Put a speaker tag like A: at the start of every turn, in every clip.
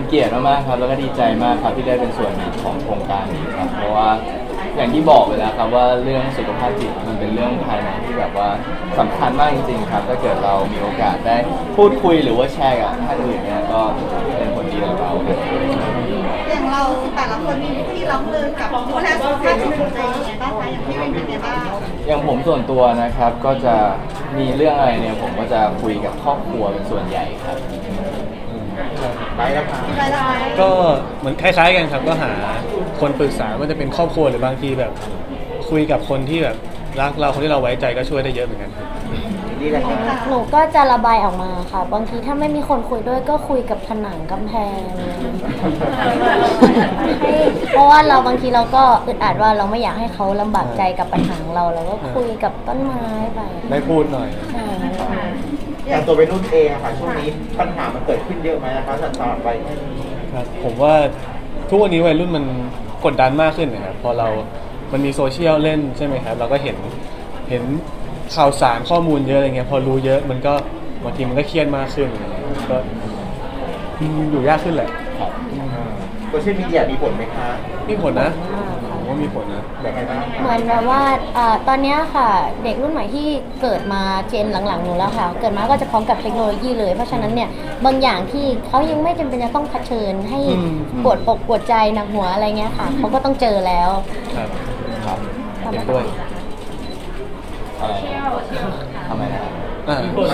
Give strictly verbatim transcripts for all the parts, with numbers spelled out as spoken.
A: เกียรติมากๆครับแล้วก็ดีใจมากครับที่ได้เป็นส่วนหนึ่งของโครงการนี้ครับเพราะว่าอย่างที่บอกไปแล้วครับว่าเรื่องสุขภาพจิตมันเป็นเรื่องภายในที่แบบว่าสำคัญมากจริงๆครับถ้าเกิดเรามีโอกาสได้พูดคุยหรือว่าแชร์กับท่านอื่นเนี่ยก็เป็นผลดีต่อเราครับ
B: อย่างเราแต่ละคนมีวิธีรับมือกับผู้แลสุขภาพจิตของตัวเองยังไงบ้างคะอย่างพี่วินเป็นไงบ้าง
A: อย่างผมส่วนตัวนะครับก็จะมีเรื่องอะไรเนี่ยผมก็จะคุยกับครอบครัวเป็นส่วนใหญ่ครับ
C: ไปแล้วครับ
B: ไปเลย
D: ก็เหมือนคล้ายๆกันครับก็หาคนปรึกษาว่าจะเป็นครอบครัวหรือบางทีแบบคุยกับคนที่แบบรักเราคนที่เราไว้ใจก็ช่วยได้เยอะเหมือนกันครับ
C: นี่แหละครับ
E: หนูก็จะระบายออกมาค่ะบางทีถ้าไม่มีคนคุยด้วยก็คุยกับผนังกำแพงให้เพราะว่าเราบางทีเราก็อึดอัดว่าเราไม่อยากให้เขาลำบากใจกับปัญหาของเราเราก็คุยกับต้นไม้ไป
D: ได้พูดหน่อย
E: ใช่
C: อย่างตัวเป็นรุ่นเองอะค่ะช่วงนี้ปัญหามันเกิดขึ้นเยอะไหมนะคะสำหรับวัย
D: ครับผมว่าทุกวันนี้วัยรุ่นมันกดดันมากขึ้นนะครับพอเรามันมีโซเชียลเล่นใช่ไหมครับเราก็เห็นเห็นข่าวสารข้อมูลเยอะอะไรเงี้ยพอรู้เยอะมันก็บางทีมันก็เครียดมากขึ้นก็อยู่ยากขึ้นแหละ
A: ครับ
C: โซเชียลมีเดียมีผลไหมคะ
D: มีผลนะผมว่ามีผลนะ
C: แบบไหนบ้าง
E: เหมือนแบบว่าตอนนี้ค่ะเด็กรุ่นใหม่ที่เกิดมาเจนหลังๆหนูแล้วค่ะเกิดมาก็จะพร้อมกับเทคโนโลยีเลยเพราะฉะนั้นเนี่ยบางอย่างที่เขายังไม่จำเป็นจะต้องเผชิญให้ปวดปกปวดใจหนักหัวอะไรเงี้ยค่ะเขาก็ต้องเจอแล้ว
D: ครับ
A: ครับ
D: เห็นด้วย
A: อะไรทำไมนะ
D: อ่า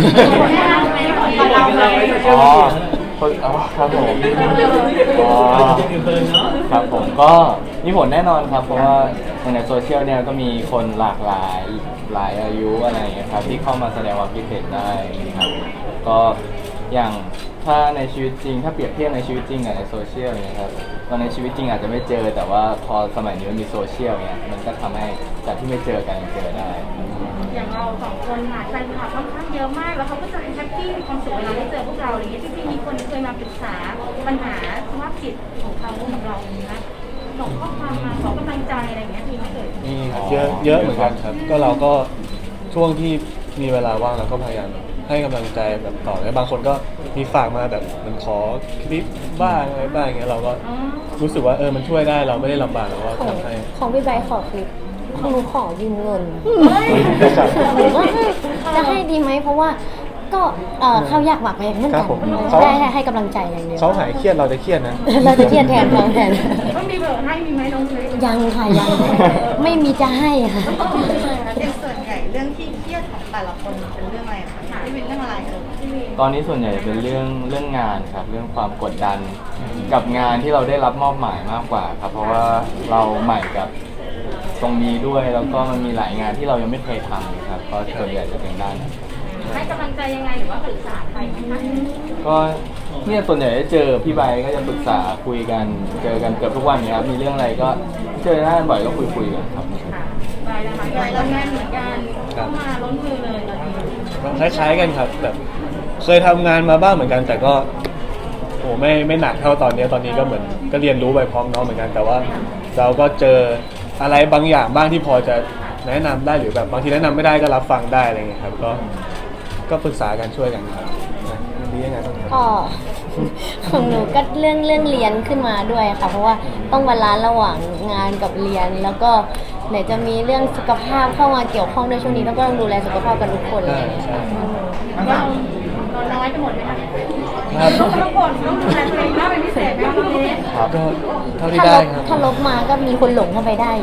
A: อ๋อครับผมอ๋อครับผมก็มีผลแน่นอนครับเพราะว่าในโซเชียลเนี่ยก็มีคนหลากหลายหลายอายุอะไรอย่างเงี้ยครับที่เข้ามาแสดงความคิดเห็นได้ครับก็อย่างถ้าในชีวิตจริงถ้าเปรียบเทียบในชีวิตจริงกับในโซเชียลเนี่ยครับตอนในชีวิตจริงอาจจะไม่เจอแต่ว่าพอสมัยนี้มันมีโซเชียลเนี่ยมันก็ทำให้จากที่ไม่เจอกันเจอได้
B: อย่างเราสองคนค่ะแฟนคลับค่อนข้างเยอะมากแล้วเขาก็จะแฮปปี้มีความสุขเวลาได้เจอพวกเราอะไรเงี้ยจริงๆมีคนเคยมาปรึกษาปัญหาสภาพจิตของเขาของเรานะส่งข้อความมาขอกำลังใจอะไรเงี้ยมีไหมเอ่ย
D: มีเยอะเยอะเหมือนกันครับก็เราก็ช่วงที่มีเวลาว่างเราก็พยายามให้กำลังใจแบบต่อแล้วบางคนก็มีฝากมาแบบมันขอคลิปบ้างอะไรบ้างอย่างเงี้ยเราก็รู้สึกว่าเออมันช่วยได้เราไม่ได้ลำบากเราก็ทำให้
E: ของพี่ใบขอคลิปของหนูขอยืมเงินหนูว่าจะให้ดีไหมเพราะว่าก็เขาอยากหมักแพงเหมือนกันได้ให้กำลังใจอย่างเดียว
D: เขาหายเครียดเราจะเครียดนะ
E: เราจะเครียดแทนเขาแทน
B: ต้องมีเบอร์ให้มีไหมน้องเลย
E: ยังค่ะยังไม่มีจะให้ค่ะ
B: เป็นส่วนใหญ่เรื่องที่เครียดของแต่ละคนเป็นเรื่องอะไรคะที่เป็นเรื่องอะไรเออ
A: ตอนนี้ส่วนใหญ่เป็นเรื่องเรื่องงานครับเรื่องความกดดันกับงานที่เราได้รับมอบหมายมากกว่าครับเพราะว่าเราใหม่กับตรงนี้ด้วยแล้วก็มันมีหลายงานที่เรายังไม่เคยทำครับก็ส่วนใหญ่จะเป็นด้าน
B: ให้กำลังใจยังไงหรือว่าปรึกษาใครไหมคะ
A: ก็เนี่ยส่วนใหญ่ได้เจอพี่ใบก็จะปรึกษาคุยกันเจอกันเกือบทุกวันครับมีเรื่องอะไรก็เจอหน้าบ่อยก็คุยคุยกันครับ
B: ใบนะคะใบเรางานเหมือนกันเข้ามาล้นมือเลยตอนนี้
D: คล้ายๆกันครับแบบเคยทำงานมาบ้างเหมือนกันแต่ก็โอ้ไม่ไม่หนักเท่าตอนนี้ตอนนี้ก็เหมือนก็เรียนรู้ไปพร้อมน้องเหมือนกันแต่ว่าเราก็เจออะไรบางอย่างบ้างที่พอจะแนะนำได้หรือแบบบางทีแนะนำไม่ได้ก็รับฟังได้อะไรเงี้ยครับก็ก็ปรึกษากันช่วยกันครับมันดียังไงบ้างครับ
E: ก็ของหนูก็เรื่องเรื่องเรียนขึ้นมาด้วยค่ะเพราะว่าต้องบาลานซ์ระหว่างงานกับเรียนแล้วก็ไหนจะมีเรื่องสุขภาพเข้ามาเกี่ยวข้องด้วยช่วงนี้แล้วก็ต้องดูแลสุขภาพกันทุกคนเลย
B: เราเราน้อยไปหมดไหมคะต้องทุกคนต้องดูแลตัวเองมากเป็นพิเศษไหมคะพี่เนส
D: ก็เท่าที่ได้ครับ
E: ถ้าลบมาก็มีคนหลงเข้าไปได้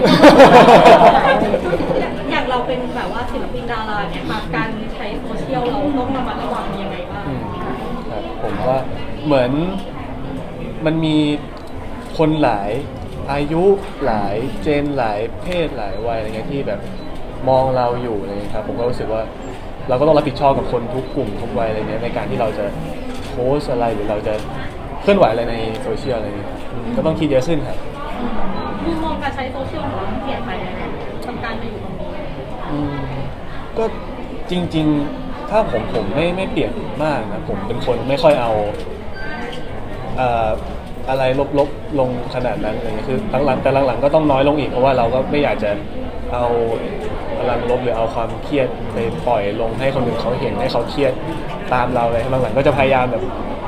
B: อย่างเราเป็นแบบว่าศิลปินดาราเนี่ยค่ะการใช้โซเชียลเราต้องระมัดระวังยังไงบ้าง
D: ครับผมว่าเหมือนมันมีคนหลายอายุหลายเจนหลายเพศหลายวัยอะไรเงี้ยที่แบบมองเราอยู่อะไรเงี้ยครับผมก็รู้สึกว่าเราก็ต้องรับผิดชอบกับคนทุกกลุ่มทุกวัยอะไรเงี้ยในการที่เราจะโพสอะไรหรือเราจะเคลื่อนไหวอะไรในโซเชียลอะไรเงี้ยก็ต้องคิดเยอะขึ้นครับ
B: มุมมองการใช้โซเชียลของเราเปลี่ยนไปยังไงทำการมาอยู่ตรงนี้
D: ก็จริงๆถ้าผมผมไม่ไม่เปลี่ยนมากนะผมเป็นคนไม่ค่อยเอาเอ่ออะไรลบๆลงขนาดนั้นอะไรเงี้ยคือหลังๆแต่หลังๆก็ต้องน้อยลงอีกเพราะว่าเราก็ไม่อยากจะเอาพลังลบหรือเอาความเครียดไปปล่อยลงให้คนอื่นเขาเห็นให้เขาเครียดตามเราเลยหลังๆก็จะพยายามแบบ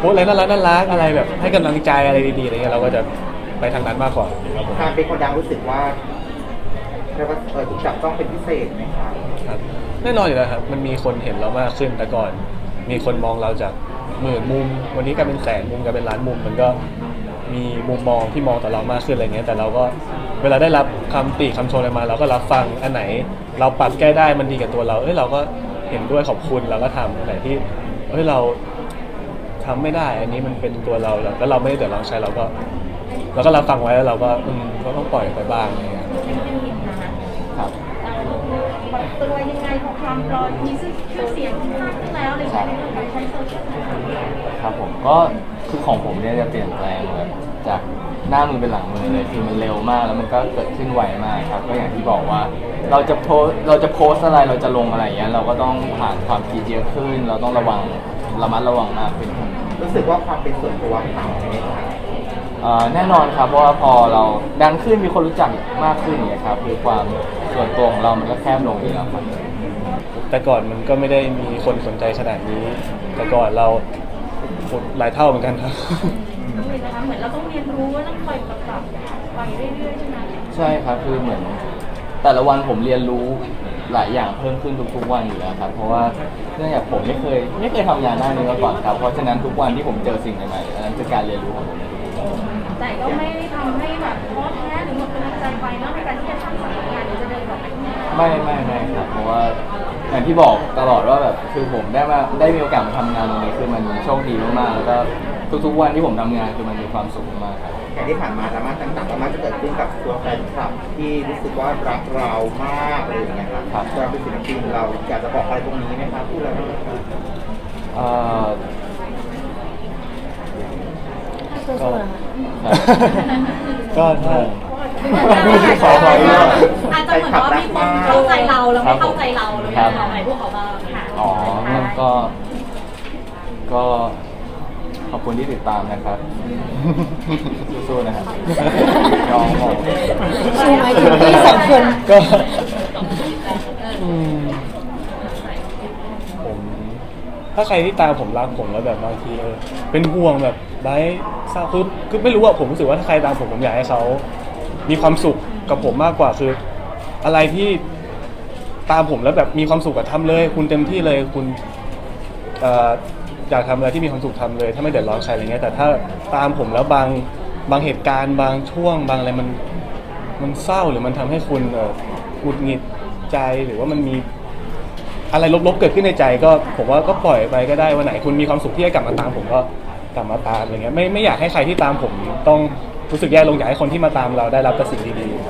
D: พสต์อะไรน่ารักน่ารักอะไรแบบให้กำลังใจอะไรดีๆอะไรเงี้ยเราก็จะไปทางนั้นมากกว่าครับผม
C: การเป็นคนดังรู้สึกว่าเรียกว่าเออถูกจับต้องเป็นพิเศษไหมครับ
D: ครับแน่นอนอยู่แล้วครับมันมีคนเห็นเรามากขึ้นแต่ก่อน มีคนมองเราจากหมื่นมุมวันนี้กลายเป็นแสนมุมกลายเป็นล้านมุมมันก็มีมุมมองที่มองต่อเรามากขึ้นอะไรเงี้ยแต่เราก็เวลาได้รับคำติคำชมอะไรมาเราก็รับฟังอันไหน เราปรับแก้ได้มันดีกับตัวเราเอ้ยเราก็เห็นด้วยขอบคุณเราก็ทำอันไหนที่เอ้ยเราทำไม่ได้อันนี้มันเป็นตัวเราแล้วเราไม่ได้เดือดร้อนใช้เราก็เราก็รับฟังไว้แล้วเราก็อืมก็ต้องปล่อยไปบ้างอะไรเงี้ย
B: เป็นเป็นเห็นนะคะ
A: ครับ
B: ปรับตัวยังไงของความรอมีชื่อเสียงมากขึ้นแล้วอะไรอย่างเงี้ยในเรื่องการใช้โซเชียลมีเดีย
A: ครับผมก็คือของผมเนี่ยจะเปลี่ยนแปลงแบบจากหน้ามือเป็นหลังมือเลยคือมันเร็วมากแล้วมันก็เกิดขึ้นไวมากครับก็อย่างที่บอกว่าเราจะโพสเราจะโพสอะไรเราจะลงอะไรอย่างเงี้ยเราก็ต้องผ่านความคิดเยอะขึ้น เราต้องระวังระมัดระวังมากขึ้นครับ
C: รู้สึกว่าความเป็นส่วนตัวหายไหมครับ
A: เอ่อแน่นอนครับเพราะว่าพอเราดังขึ้นมีคนรู้จักมากขึ้นเนี่ยครับคือความส่วนตัวของเรามันก็แคบลงอยู่แล้วครับ
D: แต่ก่อนมันก็ไม่ได้มีคนสนใจขนาดนี้ แต่ก่อนเราหลายเท่าเหมือนกันครับ
B: ต้องเรียนนะคะเหมือนเราต้องเรียนรู้ว่าต้องคอยปรับปรับไปเรื่อยๆใช่ไหม
A: ใช่ครับคือเหมือนแต่ละวันผมเรียนรู้หลายอย่างเพิ่มขึ้นทุกๆวันอยู่แล้วครับเพราะว่าเนื่องจากผมไม่เคยไม่เคยทำงานด้านนี้มาก่อนครับเพราะฉะนั้นทุกวันที่ผมเจอสิ่งใหม่ๆอันนั้นคือการเรียนรู้ของผมในทุกๆวัน
B: แต่ก็ไม่ได้ทำให้แบบท้อแท้หรือหมดกำลังใจไปเนาะในการที่จะทำสายงานหรือจะเดินต่อไปข้างหน้า
A: ไม่ไม่ไม่ครับเพราะว่าอย่างที่บอกตลอดว่าแบบคือผมได้มาได้มีโอกาสมาทำงานตรงนี้คือมันโชคดีมากๆแล้วก็ทุกๆวันที่ผมทำงานคือมันมีความสุขมากครับ
C: อย่างที่ผ่านมาดราม่าต่างๆก็มักจะเกิดขึ้นกับตัวแฟนคลับที่รู้สึกว่ารักเรามากอะไรอย่างเงี้ยครับเราเป็นศิลปินเราอยากจะบอกอะไรตรงนี้ไหมครับพูดอะไรบ้างครับ
A: เอ่อ
E: สู้ๆนะคะ
D: ก็ถ้า
A: ขอขออีกรอบ
F: อาจจะเหมือนว่ามีคนเข้าใจเราแล้วไม่เข้าใจเราแล้วอยากจะบอกอะไรพวกเขาบ้างค่ะ
A: อ๋อก็ก็ขอบคุณที่ติดตามนะครับสู้ๆนะครับยอมบอก
E: ชูไหมถึงพี่สองคน
D: ก็อืมผมถ้าใครที่ตามผมรักผมแล้วแบบบางทีเออเป็นห่วงแบบไร้เศร้าคือคือไม่รู้อะผมรู้สึกว่าถ้าใครตามผมผมอยากให้เขามีความสุขกับผมมากกว่าคือ อะไรที่ตามผมแล้วแบบมีความสุขกับทำเลย คุณเต็มที่เลยคุณเอ่ออยากทำอะไรที่มีความสุขทำเลย ถ้าไม่เดือดร้อนใครอะไรเงี้ยแต่ถ้าตามผมแล้วบางบางเหตุการณ์บางช่วง บางอะไรมันมันเศร้าหรือมันทำให้คุณเอ่อหงุดหงิดใจหรือว่ามันมีอะไรลบๆเกิดขึ้นในใจก็ผมว่าก็ปล่อยไปก็ได้วันไหนคุณมีความสุขที่จะกลับมาตามผมก็กลับมาตามอะไรเงี้ยไม่ไม่อยากให้ใครที่ตามผมต้องรู้สึกแย่ลงอยากให้คนที่มาตามเราได้รับแต่สิ่งดีๆ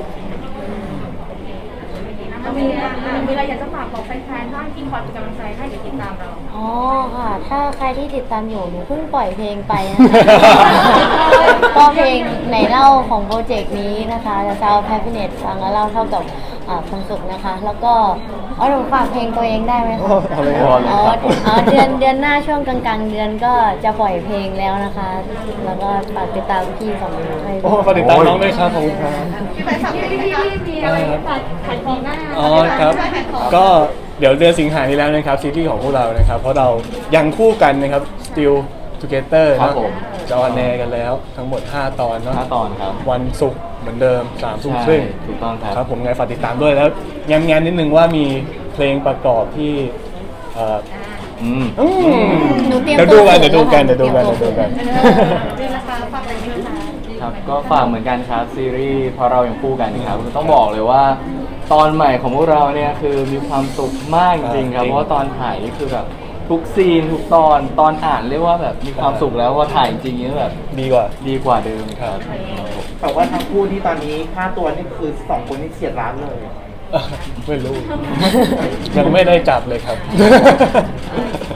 B: มีอะไรมีอะไรอยากจะฝากบอกแฟนๆบ้างที่คอยเป็นกำลังใจให้หรือติดตามเรา
E: อ๋อค่ะ ถ้าใครที่ติดตามอยู่หนูเพิ่งปล่อยเพลงไปนะคะ ก็เพลงไหนเล่าของโปรเจกต์นี้นะคะจะ Sound Happiness ฟังแล้วเล่าเท่ากับอ่าความสุขนะคะ แล้วก็อ๋อหนูฝากเพลงตัวเองได้ไหมคะ
D: เอาเลย
A: พอเลย
E: อ๋อ
A: ครับผม
E: อ๋อเดือนเดือนหน้าช่วงกลางๆ เดือนก็จะปล่อยเพลงแล้วนะคะ แล้วก็ฝากติดตามพี่สองคนด้วย
D: โอ้ฝากติดตามน้องด้วยครับขอบคุณครับ
B: พี่พี่พี่มีอะไรฝากขายของหน้า
D: อ๋อครับ ก็เดี๋ยวเดือนสิงหานี้แล้วนะครับซีรีส์ของพวกเรานะครับ เพราะเรายังคู่กันนะครับ Still Together
A: ครับ
D: นะ
A: ผม
D: จะออนแอร์กันแล้วทั้งหมดห้าตอนเนาะ
A: ห้าตอนครับ
D: วันศุกร์เหมือนเดิมสามทุ่ม
A: ใช่
D: ครึ่ง
A: ถูกต้องครับ
D: ครับผมไงฝากติดตามด้วยแล้วย้ำๆนิดนึงว่ามีเพลงประกอบที่เอ่อ
A: อืม
D: อืม
E: หนูเตรียม
D: เดี๋ยวดูกัน
E: ตัว
D: เดี๋ยวดูกัน
E: เตรี
D: เดี๋ย
E: ยว ม
D: ดู
E: ตัว
D: กันเดี๋ยวดูกัน
B: เดือนละคะฝากอะไรดีคะ
A: ครับก็ฝากเหมือนกันครับซีรีส์เพราะเรายังคู่กันครับต้องบอกเลยว่า ตอนใหม่ของพวกเราเนี่ยคือมีความสุขมากจริงๆครับ
D: จริง
A: เพราะว่าตอนถ่ายนี่คือแบบทุกซีนทุกตอนตอนอ่านเรียกว่าแบบมีความสุขแล้วพอถ่ายจริงๆนี่แบบ
D: ดีกว่า
A: ดีกว่าเดิมครับ
C: แต่ว่าทั้งคู่ที่ตอนนี้ค่าตัวนี่คือสองคนนี่เฉียดล้านเลย
D: ไม่รู้ ยังไม่ได้จับเลยครับ